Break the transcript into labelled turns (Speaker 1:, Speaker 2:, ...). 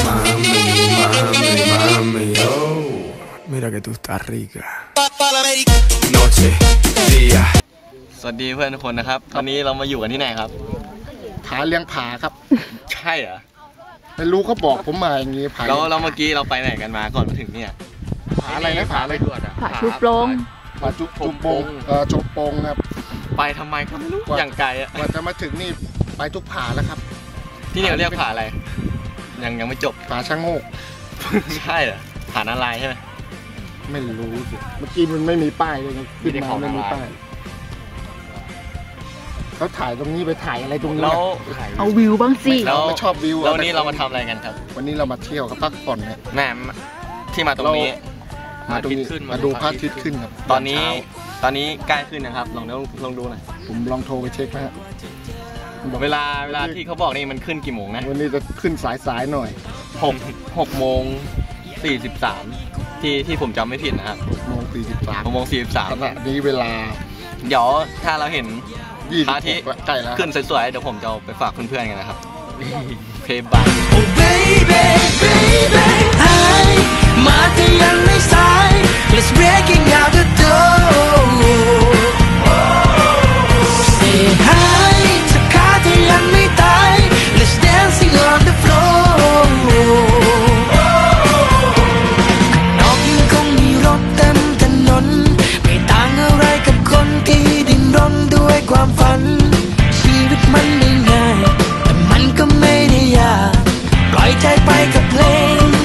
Speaker 1: Mami, oh, mira que tú estás rica. Noche, día.
Speaker 2: สวัสดีเพื่อนทุกคนนะครับตอนนี้เรามาอยู่กันที่ไหนครับ
Speaker 3: ผาเลี้ยงผาครับ
Speaker 2: ใช่เหรอ
Speaker 3: ไม่รู้เขาบอกผมมาอย่างงี้ผา
Speaker 2: เราเมื่อกี้เราไปไหนกันมาก่อนมาถึงเนี่ย
Speaker 3: ผาอะไรนะผาอะไร
Speaker 4: ผาชุบโปรง
Speaker 3: ผาจุบโปงจบโปงครับ
Speaker 2: ไปทำไมก็ไม่รู้อย่างไกลอะ
Speaker 3: กว่าจะมาถึงนี่ไปทุกผาแล้วครับ
Speaker 2: ที่นี่เรียกผาอะไรยังไม่จบ
Speaker 3: ผาช่างโงก
Speaker 2: ใช่เหรอผานาลายใช่ไหม
Speaker 3: ไม่รู้สิเมื่อกี้มันไม่มีป้ายเลยขึ้นมาไม่มีป้ายเขาถ่ายตรงนี้ไปถ่ายอะไรตรงนี้
Speaker 4: เอาวิวบ้างสิ
Speaker 3: เราไม่ชอบวิว
Speaker 2: แล้ววันนี้เรามาทำอะไรกันครับ
Speaker 3: วันนี้เรามาเที่ยวกับพักผ่อนเนี่ย
Speaker 2: แม่ที่มาตรงนี้
Speaker 3: มาดูพระอาทิตย์ขึ้นครับ
Speaker 2: ตอนนี้ใกล้ขึ้นนะครับลองดูหน่อย
Speaker 3: ผมลองโทรไปเช็คนะฮะ
Speaker 2: เวลาที่เขาบอกนี่มันขึ้นกี่โมงนะ
Speaker 3: วันนี้จะขึ้นสายหน่อย
Speaker 2: 6 โมง 43ที่ผมจำไม่ผิดนะครับ6 โมง 43
Speaker 3: ขณะนี้เวลา
Speaker 2: เดี๋ยวถ้าเราเห็นพระอาทิตย์
Speaker 3: ใกล้แล้ว
Speaker 2: ขึ้นสวยๆเดี๋ยวผมจะไปฝากเพื่อนๆกันนะครับเพย์บาย
Speaker 5: มาที่ยังไม่สาย Let's breaking out the door Say hi ถ้าขาที่ยังไม่ตาย Let's dancing on the floor นอกยังคงมีรถเต็มถนนไม่ต่างอะไรกับคนที่ดิ้นรนด้วยความฝันชีวิตมันไม่ง่ายแต่มันก็ไม่ได้ยากปล่อยใจไปกับเพลง